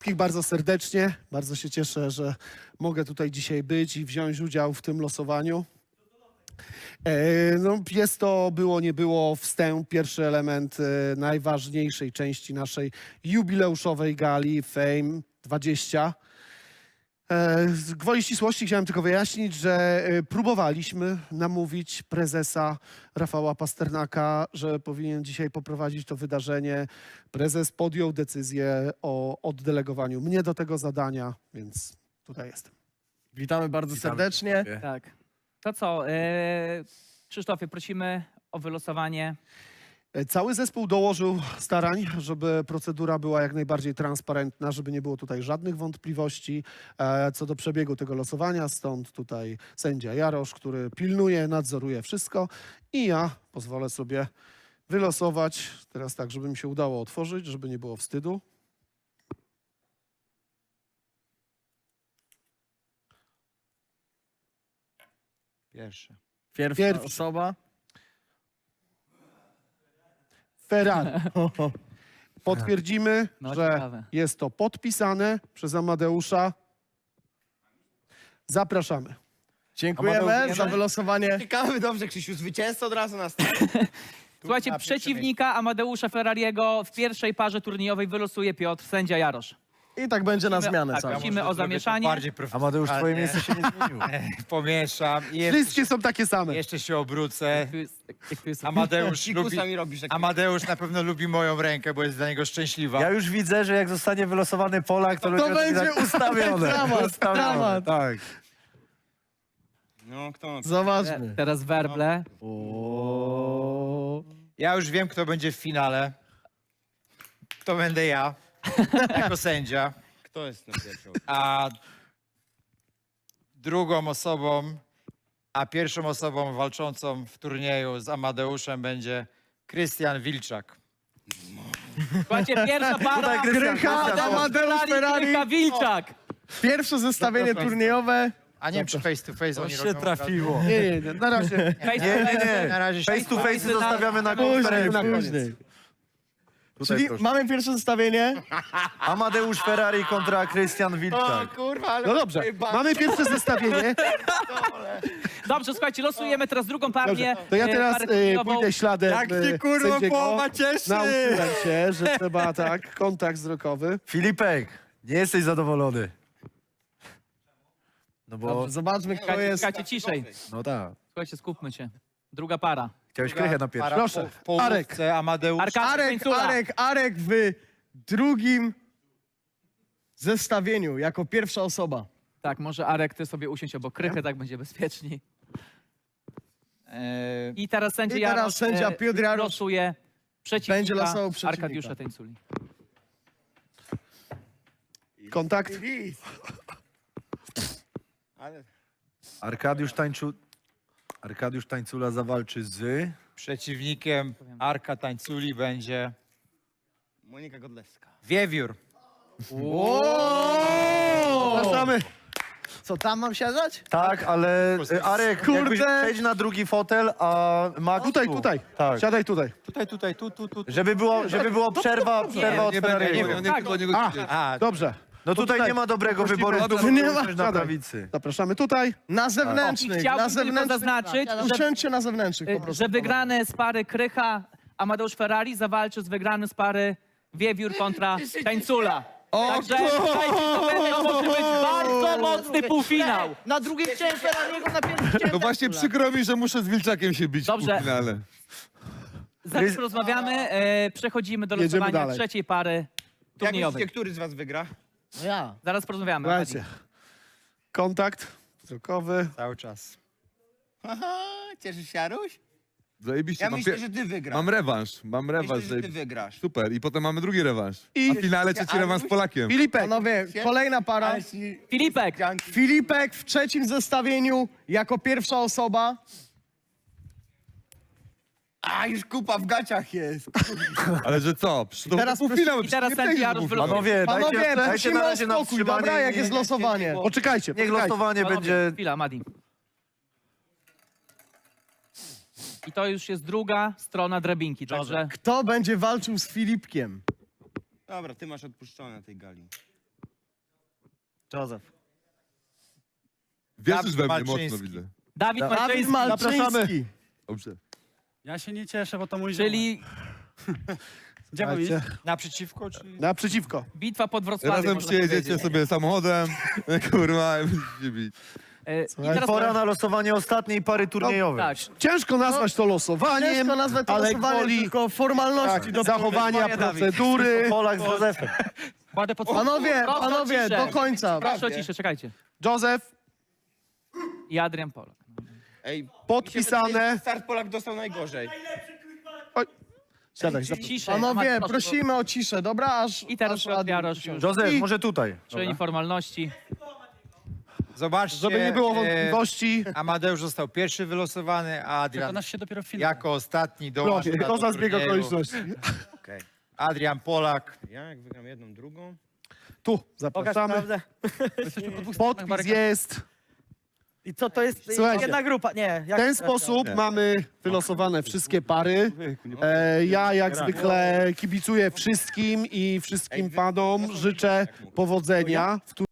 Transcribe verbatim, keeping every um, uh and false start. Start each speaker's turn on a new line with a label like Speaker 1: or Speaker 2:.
Speaker 1: Wszystkich bardzo serdecznie. Bardzo się cieszę, że mogę tutaj dzisiaj być i wziąć udział w tym losowaniu. E, no, jest to, było, nie było, wstęp, pierwszy element e, najważniejszej części naszej jubileuszowej gali Fame dwadzieścia. E, z gwoli ścisłości chciałem tylko wyjaśnić, że e, próbowaliśmy namówić prezesa Rafała Pasternaka, że powinien dzisiaj poprowadzić to wydarzenie. Prezes podjął decyzję o oddelegowaniu mnie do tego zadania, więc tutaj jestem.
Speaker 2: Witamy bardzo serdecznie.
Speaker 3: Tak. To co, e, Krzysztofie, prosimy o wylosowanie.
Speaker 1: E, Cały zespół dołożył starań, żeby procedura była jak najbardziej transparentna, żeby nie było tutaj żadnych wątpliwości e, co do przebiegu tego losowania. Stąd tutaj sędzia Jarosz, który pilnuje, nadzoruje wszystko i ja pozwolę sobie wylosować, teraz tak, żeby mi się udało otworzyć, żeby nie było wstydu.
Speaker 4: Pierwszy.
Speaker 2: Pierwsza
Speaker 1: Pierwszy.
Speaker 2: osoba.
Speaker 1: Ferrari. Potwierdzimy,
Speaker 3: No,
Speaker 1: że
Speaker 3: ciekawe.
Speaker 1: jest to podpisane przez Amadeusza. Zapraszamy.
Speaker 2: Dziękujemy
Speaker 3: Amadeusz,
Speaker 2: za wylosowanie.
Speaker 4: Ciekawy, dobrze, Krzysiu, zwycięzca od razu nas.
Speaker 3: Słuchajcie,
Speaker 4: na pierwsze
Speaker 3: przeciwnika Amadeusza Ferrariego w pierwszej parze turniejowej wylosuje Piotr, sędzia Jarosz.
Speaker 2: I tak będzie na zmianę
Speaker 3: tak,
Speaker 2: całą.
Speaker 3: prosimy o zamieszanie.
Speaker 4: Bardziej
Speaker 5: Amadeusz, twoje miejsce się nie zmieniło.
Speaker 4: Pomieszam i jeszcze,
Speaker 1: Wszystkie są takie same.
Speaker 4: jeszcze się obrócę.
Speaker 3: Tu jest- jak tu jest-
Speaker 4: Amadeusz lubi,
Speaker 6: Fikusami robisz takie...
Speaker 4: Amadeusz na pewno lubi moją rękę, bo jest dla niego szczęśliwa.
Speaker 5: Ja już widzę, że jak zostanie wylosowany Polak, to,
Speaker 2: To
Speaker 5: ludzie
Speaker 2: będzie
Speaker 5: tak ustawione.
Speaker 2: dramat,
Speaker 5: ustawione.
Speaker 2: dramat.
Speaker 5: Tak.
Speaker 6: No, kto ma...
Speaker 2: Zobaczmy.
Speaker 3: Teraz werble.
Speaker 2: O.
Speaker 4: Ja już wiem, kto będzie w finale. To będę ja, jako sędzia.
Speaker 6: Kto jest na pierwszą?
Speaker 4: A drugą osobą, a pierwszą osobą walczącą w turnieju z Amadeuszem będzie Krystian Wilczak.
Speaker 3: Słuchajcie, pierwsza para.
Speaker 5: Krystian,
Speaker 2: Krycha,
Speaker 5: Krystian,
Speaker 2: Amadeusz Ferrari.
Speaker 3: Krycha Wilczak.
Speaker 2: Pierwsze zestawienie turniejowe.
Speaker 4: A nie wiem, czy face to face
Speaker 5: To
Speaker 4: oni
Speaker 5: się
Speaker 4: robią.
Speaker 5: trafiło.
Speaker 1: Nie, nie, nie, na razie.
Speaker 3: Face to
Speaker 5: Nie, nie,
Speaker 3: face.
Speaker 5: nie.
Speaker 4: Na razie się...
Speaker 5: Face to face zostawiamy na
Speaker 2: Później,
Speaker 5: konferencji.
Speaker 1: na koniec.
Speaker 2: później.
Speaker 5: Tutaj
Speaker 2: Czyli
Speaker 5: proszę.
Speaker 2: mamy pierwsze zestawienie.
Speaker 5: Amadeusz Ferrari kontra Krystian
Speaker 6: O
Speaker 5: Wilczak.
Speaker 6: kurwa, ale...
Speaker 1: No dobrze, mamy pierwsze zestawienie.
Speaker 3: Dobrze, słuchajcie, losujemy teraz drugą partię.
Speaker 1: Dobrze, to ja
Speaker 3: e,
Speaker 1: teraz
Speaker 3: parę
Speaker 1: e,
Speaker 3: turniejową.
Speaker 1: pójdę śladem
Speaker 4: Jak
Speaker 1: e,
Speaker 4: się kurwa
Speaker 1: sędziego.
Speaker 4: połowa cieszy!
Speaker 1: Nauczyłem się, że trzeba tak, kontakt wzrokowy.
Speaker 5: Filipek, nie jesteś zadowolony. No bo,
Speaker 2: Dobrze, zobaczmy, kto
Speaker 3: Słuchajcie,
Speaker 2: jest.
Speaker 3: słuchajcie, ciszej.
Speaker 5: no tak.
Speaker 3: Słuchajcie, skupmy się. Druga para.
Speaker 5: Chciałeś krychę na pierwszy.
Speaker 4: Para
Speaker 1: Proszę,
Speaker 4: po- w połówce
Speaker 1: Arek.
Speaker 4: Amadeusz.
Speaker 3: Arka
Speaker 2: Arek,
Speaker 3: Tańcula.
Speaker 2: Arek, Arek w drugim zestawieniu jako pierwsza osoba.
Speaker 3: Tak, może Arek, ty sobie usiądź obok Krychy, tak będzie bezpieczniej.
Speaker 4: E,
Speaker 3: I teraz sędzia
Speaker 2: I teraz
Speaker 3: Jarosz,
Speaker 2: sędzia
Speaker 3: e,
Speaker 2: Piotr Jarosz
Speaker 3: losuje przeciwnika
Speaker 2: będzie losował przeciwnika.
Speaker 3: Arkadiusza Tańculi.
Speaker 1: Kontakt.
Speaker 6: Ale...
Speaker 5: Arkadiusz Tańczu... Arkadiusz Tańcula zawalczy z...
Speaker 4: Przeciwnikiem Arka Tańculi będzie
Speaker 6: Monika Godlewska.
Speaker 4: Wiewiór.
Speaker 1: Zapraszamy.
Speaker 2: Co, tam mam siadać?
Speaker 5: Tak, ale e, Arek,
Speaker 2: Kurde.
Speaker 5: jakbyś przejdź na drugi fotel, a Max
Speaker 1: Tutaj,
Speaker 5: tu.
Speaker 1: tutaj.
Speaker 5: Tak.
Speaker 1: Siadaj tutaj.
Speaker 4: Tutaj, tutaj, tu, tu, tu. tu.
Speaker 5: Żeby było, żeby było przerwa, przerwa od Ferrariego.
Speaker 3: Tak,
Speaker 4: A,
Speaker 1: Dobrze.
Speaker 5: No tutaj
Speaker 1: tutaj.
Speaker 5: nie ma dobrego
Speaker 1: Właściwie
Speaker 5: wyboru,
Speaker 1: tu
Speaker 5: tu
Speaker 1: nie
Speaker 5: nie
Speaker 1: ma.
Speaker 5: na
Speaker 1: Siadaj.
Speaker 5: prawicy.
Speaker 1: Zapraszamy tutaj.
Speaker 2: Na
Speaker 3: I
Speaker 2: zewnętrznych,
Speaker 3: chciałbym
Speaker 2: na
Speaker 3: tylko
Speaker 2: zewnętrznych.
Speaker 3: zaznaczyć, że,
Speaker 2: Usiądźcie na zewnętrznych po prostu.
Speaker 3: że wygrany z pary Krycha Amadeusz Ferrari zawalczy z wygranym z pary Wiewiór kontra Tańcula.
Speaker 2: O,
Speaker 3: Także słuchajcie, to będzie może być bardzo mocny półfinał.
Speaker 6: Na drugiej chciałem Ferrariego, na pierwszej chciałem...
Speaker 7: No właśnie przykro mi, że muszę z Wilczakiem się bić
Speaker 3: Dobrze.
Speaker 7: w półfinale.
Speaker 3: Zaraz porozmawiamy, e, przechodzimy do
Speaker 1: Jedziemy
Speaker 3: losowania
Speaker 1: dalej.
Speaker 3: trzeciej pary
Speaker 6: Jak
Speaker 3: turniejowej.
Speaker 6: myślicie, który z was wygra?
Speaker 2: No ja.
Speaker 3: Zaraz porozmawiamy.
Speaker 1: Słuchajcie. Kontakt wzrokowy.
Speaker 4: cały czas.
Speaker 6: Haha, cieszysz się, Jaruś?
Speaker 7: Zajebiście,
Speaker 6: Ja
Speaker 7: mam,
Speaker 6: myślę,
Speaker 7: pie-
Speaker 6: że ty wygrasz.
Speaker 7: mam rewanż, mam
Speaker 6: Myślę,
Speaker 7: rewanż.
Speaker 6: że ty
Speaker 7: zajebi-
Speaker 6: wygrasz.
Speaker 7: Super, i potem mamy drugi rewanż.
Speaker 1: I-
Speaker 7: A w finale trzeci
Speaker 6: Ale
Speaker 7: rewanż z
Speaker 6: już-
Speaker 7: Polakiem.
Speaker 1: Filipek.
Speaker 2: Panowie, kolejna para.
Speaker 6: Ale ci...
Speaker 3: Filipek,
Speaker 6: Dzianki.
Speaker 2: Filipek w trzecim zestawieniu jako pierwsza osoba.
Speaker 6: A, już kupa w gaciach jest.
Speaker 7: Ale że co? Przecież to
Speaker 2: teraz
Speaker 7: półfinały,
Speaker 3: i teraz
Speaker 7: przecież nie
Speaker 3: sędzia
Speaker 7: przejdzie do
Speaker 3: Jarosz
Speaker 7: półfinału.
Speaker 5: Panowie,
Speaker 2: Panowie,
Speaker 5: dajcie, dajcie
Speaker 2: prosimy
Speaker 5: na
Speaker 2: o
Speaker 5: razie na
Speaker 2: spokój,
Speaker 5: wstrzymanie.
Speaker 2: dobra, jak
Speaker 5: i-
Speaker 2: jest losowanie.
Speaker 1: Poczekajcie,
Speaker 5: Niech
Speaker 1: poczekajcie.
Speaker 5: losowanie
Speaker 3: panowie,
Speaker 5: będzie...
Speaker 3: chwila, Madi. I to już jest druga strona drabinki, także
Speaker 2: Kto będzie walczył z Filipkiem?
Speaker 6: Dobra, ty masz odpuszczone na tej gali.
Speaker 5: Józef.
Speaker 7: Wierzysz we mnie mocno,
Speaker 4: Malczyński.
Speaker 7: widzę.
Speaker 3: Dawid
Speaker 2: Dawid
Speaker 3: Malczyński,
Speaker 2: Malczyński.
Speaker 7: Dobrze.
Speaker 8: Ja się nie cieszę, bo to mój ziomek.
Speaker 3: czyli
Speaker 8: Gdzie mam iść?
Speaker 1: Słuchajcie,
Speaker 4: Naprzeciwko, czy...
Speaker 1: naprzeciwko.
Speaker 3: bitwa pod Wrocławiem.
Speaker 7: Razem
Speaker 3: można
Speaker 7: przyjedziecie
Speaker 3: powiedzieć.
Speaker 7: sobie samochodem, kurwa, i będziecie bić.
Speaker 3: E, I
Speaker 1: Słuchaj,
Speaker 3: teraz
Speaker 5: Pora na losowanie ostatniej pary turniejowej.
Speaker 3: tak,
Speaker 1: Ciężko nazwać to losowaniem,
Speaker 2: Ciężko nazwać to
Speaker 1: ale
Speaker 2: losowaniem,
Speaker 1: gwoli
Speaker 2: tylko formalności
Speaker 1: tak,
Speaker 2: do
Speaker 1: zachowania procedury.
Speaker 5: Polak z Józefem.
Speaker 8: Kładę pod...
Speaker 2: Panowie,
Speaker 3: Proszę o
Speaker 2: panowie,
Speaker 3: ciszę.
Speaker 2: do końca.
Speaker 3: proszę o ciszę, czekajcie.
Speaker 1: Józef,
Speaker 3: I Adrian Polak.
Speaker 6: Ej,
Speaker 1: podpisane.
Speaker 6: mi się wydaje, że Start Polak dostał najgorzej.
Speaker 1: Siadaj, zapraszam.
Speaker 3: Ciszę.
Speaker 2: Panowie,
Speaker 3: Amad, proszę,
Speaker 2: prosimy o ciszę, dobra? Aż,
Speaker 3: I teraz
Speaker 2: aż
Speaker 3: Piotr
Speaker 2: Adrian
Speaker 3: Jarosz
Speaker 2: usiądzie.
Speaker 3: już.
Speaker 5: Józef,
Speaker 1: I-
Speaker 5: może tutaj.
Speaker 3: Czyni formalności.
Speaker 4: Zobaczcie,
Speaker 1: Żeby nie było
Speaker 4: e,
Speaker 1: wątpliwości,
Speaker 4: Amadeusz został pierwszy wylosowany, a Adrian
Speaker 8: Przekonasz się dopiero w finale.
Speaker 4: jako ostatni dołącza
Speaker 1: proszę,
Speaker 4: do
Speaker 1: to za zbieg
Speaker 4: turnieju.
Speaker 1: okoliczności.
Speaker 6: Okej.
Speaker 4: Adrian Polak.
Speaker 6: Ja jak wygram jedną, drugą...
Speaker 1: Tu, zapraszamy.
Speaker 8: Jesteśmy po dwóch stronach
Speaker 1: Podpis
Speaker 8: barykad.
Speaker 1: jest.
Speaker 9: I co to jest?
Speaker 1: Słuchajcie,
Speaker 9: Jedna grupa, nie.
Speaker 1: W
Speaker 9: Jak
Speaker 1: ten sposób mamy wylosowane wszystkie pary. E, ja jak zwykle kibicuję wszystkim i wszystkim panom życzę powodzenia w